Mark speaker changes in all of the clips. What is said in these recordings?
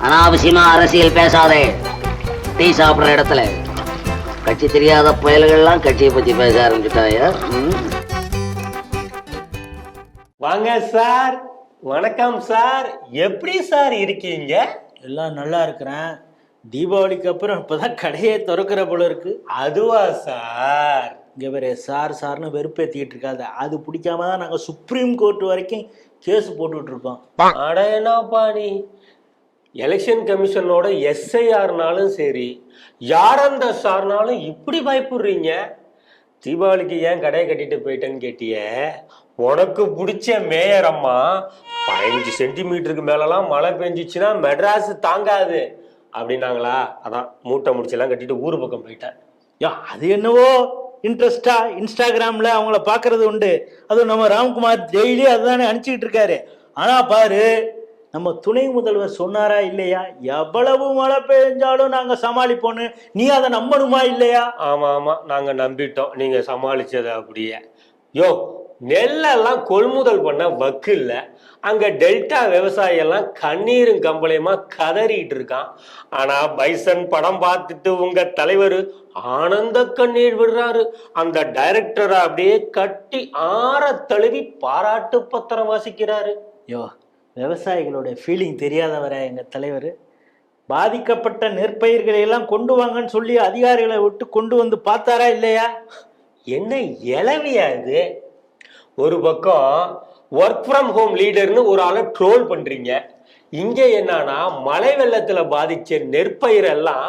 Speaker 1: அனாவசியமா அரசியல் பேசாதே. டீ சாப்பிடுற இடத்துல கட்சி தெரியாத புயல்கள்லாம் கட்சியை பத்தி பேச ஆரம்பிச்சுட்டாயா?
Speaker 2: வாங்க சார். வணக்கம் சார். எப்படி சார் இருக்கீங்க?
Speaker 3: எல்லாம் நல்லா இருக்கிறேன். தீபாவளிக்கு அப்புறம் இப்பதான் கடையே திறக்கிற போல இருக்கு.
Speaker 2: அதுவா சார்?
Speaker 3: இங்க வேற சார் சார்னு வெறுப்பேத்திட்டு இருக்காத. அது பிடிக்காம தான் நாங்க சுப்ரீம் கோர்ட் வரைக்கும் கேஸ் போட்டுட்டு இருக்கோம்.
Speaker 2: அட என்னப்பா நீ, எலெக்ஷன் கமிஷனோட SIRனாலும் சரி, யார் அந்த சார்னாலும் இப்படி பயப்படுறீங்க? தீபாவளிக்கு ஏன் கடையை கட்டிட்டு போயிட்டேன்னு கேட்டிய. உனக்கு பிடிச்ச மேயர் அம்மா 15 சென்டிமீட்டருக்கு மேலலாம் மழை பெஞ்சிச்சுன்னா மெட்ராஸ் தாங்காது அப்படின்னாங்களா, அதான் மூட்டை முடிச்செல்லாம் கட்டிட்டு ஊரு பக்கம் போயிட்டேன்.
Speaker 3: அது என்னவோ இன்ட்ரெஸ்டா இன்ஸ்டாகிராம்ல அவங்கள பாக்குறது உண்டு. அதுவும் நம்ம ராம்குமார் டெய்லி அதுதானே அனுப்பிச்சுட்டு இருக்காரு. ஆனா பாரு, நம்ம துணை முதல்வர் சொன்னாரா இல்லையா, எவ்வளவு மழை பெஞ்சாலும் நாங்க சமாளிப்போன்னு. நீ அதை நம்பணுமா இல்லையா?
Speaker 2: ஆமா ஆமா, நாங்க நம்பிட்டோம் நீங்க சமாளிச்சது. அப்படியே யோ, நெல்லெல்லாம் கொள்முதல் பண்ண வக்கு இல்லை. அங்க டெல்டா விவசாயி எல்லாம் கண்ணீரும் கம்பளையுமா கதறிட்டு இருக்கான். ஆனா பைசன் படம் பார்த்துட்டு உங்க தலைவர் ஆனந்த கண்ணீர் விடுறாரு. அந்த டைரக்டரை அப்படியே கட்டி ஆற தழுவி பாராட்டு பத்திரம் வாசிக்கிறாரு.
Speaker 3: யோ, விவசாயிகளோட ஃபீலிங் தெரியாதவர எங்க தலைவர். பாதிக்கப்பட்ட நெற்பயிர்களை எல்லாம் கொண்டு வாங்கன்னு சொல்லி அதிகாரிகளை விட்டு கொண்டு வந்து பார்த்தாரா இல்லையா?
Speaker 2: என்ன இளவியா இது? ஒரு பக்கம் ஒர்க் ஃப்ரம் ஹோம் லீடர்னு ஒரு ஆளை ட்ரோல் பண்றீங்க. இங்க என்னன்னா மழை வெள்ளத்துல பாதிச்ச நெற்பயிரெல்லாம்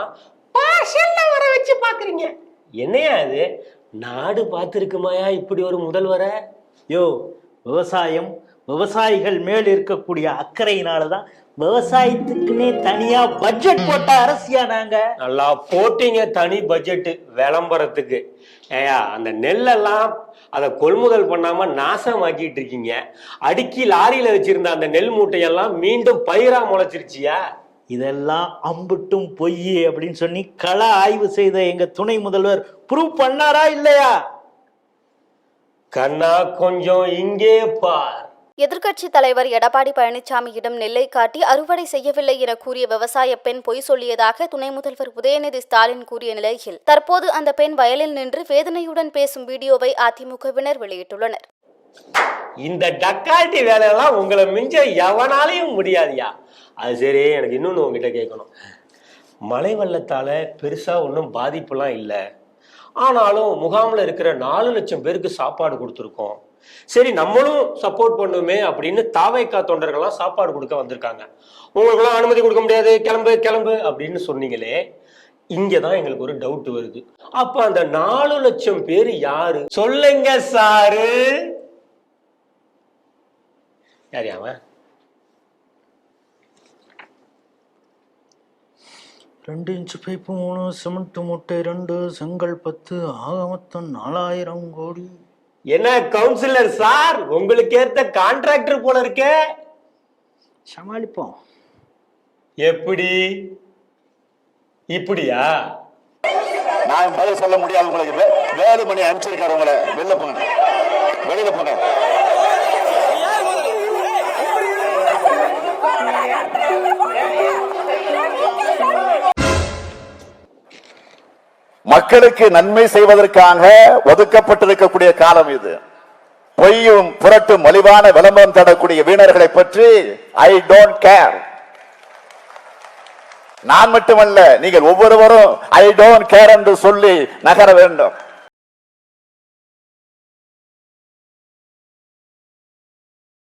Speaker 2: வர வச்சு பாக்குறீங்க. என்னையா அது? நாடு பார்த்திருக்குமாயா இப்படி ஒரு முதல்வரை?
Speaker 3: யோ, விவசாயம் விவசாயிகள் மேல் இருக்கக்கூடிய அக்கறையினாலதான் விவசாயத்துக்குன்னே தனியா பட்ஜெட் போட்ட அரசியா நாங்க.
Speaker 2: நல்லா போட்டீங்க தனி பட்ஜெட் விளம்பரத்துக்கு. ஏயா, அந்த நெல்லெல்லாம் அதை கொள்முதல் பண்ணாம நாசமாக்கிட்டு இருக்கீங்க. அடுக்கி லாரியில வச்சிருந்த அந்த நெல் மூட்டையெல்லாம் மீண்டும் பயிரா முளைச்சிருச்சியா?
Speaker 3: இதெல்லாம் அம்புட்டும் பொய் அப்படின்னு சொல்லி கள ஆய்வு செய்த எங்க துணை முதல்வர் ப்ரூவ் பண்ணாரா இல்லையா?
Speaker 2: கண்ணா கொஞ்சம் இங்கே பார்.
Speaker 4: எதிர்க்கட்சி தலைவர் எடப்பாடி பழனிசாமியிடம் நெல்லை காட்டி அறுவடை செய்யவில்லை என கூறிய விவசாய பெண் பொய் சொல்லியதாக துணை முதல்வர் உதயநிதி ஸ்டாலின் கூறிய நிலையில் தற்போது அந்த பெண் வயலில் நின்று வேதனையுடன் பேசும் வீடியோவை அதிமுகவினர் வெளியிட்டுள்ளனர்.
Speaker 2: இந்த டக்கால்ட்டி வேலையெல்லாம் உங்களை மிஞ்ச எவனாலையும் முடியாதியா. அது சரி, எனக்கு இன்னொன்று உங்ககிட்ட கேட்கணும். மழை வெள்ளத்தால பெருசா ஒன்றும் பாதிப்புலாம் இல்லை. ஆனாலும் முகாமில் இருக்கிற 4 லட்சம் பேருக்கு சாப்பாடு கொடுத்துருக்கோம். சரி, நம்மளும் சப்போர்ட் பண்ணுமே அப்படின்னு தாவைக்கா தொண்டர்கள்லாம் சாப்பாடு கொடுக்க வந்திருக்காங்க. உங்களுக்கெல்லாம் அனுமதி கொடுக்க முடியாது, கிளம்பு கிளம்பு அப்படின்னு சொன்னீங்களே. இங்கதான் எங்களுக்கு ஒரு டவுட் வருது. அப்ப அந்த 4 லட்சம் பேர் யாரு சொல்லுங்க சாரு? யார் அவன்?
Speaker 3: 2 இன்ச்சு பைப்பு 3 சிமெண்ட் மூட்டை 2 செங்கல் 10 ஆக மொத்தம் 4000 கோடி.
Speaker 2: என்ன கவுன்சிலர் சார், உங்களுக்கு ஏத்த கான்ட்ராக்டர் போல இருக்க.
Speaker 3: சமாளிப்போம்.
Speaker 2: எப்படி இப்படியா?
Speaker 5: நான் பதில் சொல்ல முடியாது உங்களுக்கு. வேலுமணி அனுப்பிச்சிருக்காரு உங்களை. வெளில போங்க, வெளியில போங்க. மக்களுக்கு நன்மை செய்வதற்காக ஒதுக்கப்பட்டிருக்கக்கூடிய காலம் இது. பொய்யும் புரட்டும் மலிவான விளம்பரம் தரக்கூடிய வீணர்களை பற்றி ஐ டோன்ட் கேர். நான் மட்டுமல்ல, நீங்கள் ஒவ்வொருவரும் ஐ டோன்ட் கேர் என்று சொல்லி நகர வேண்டும்.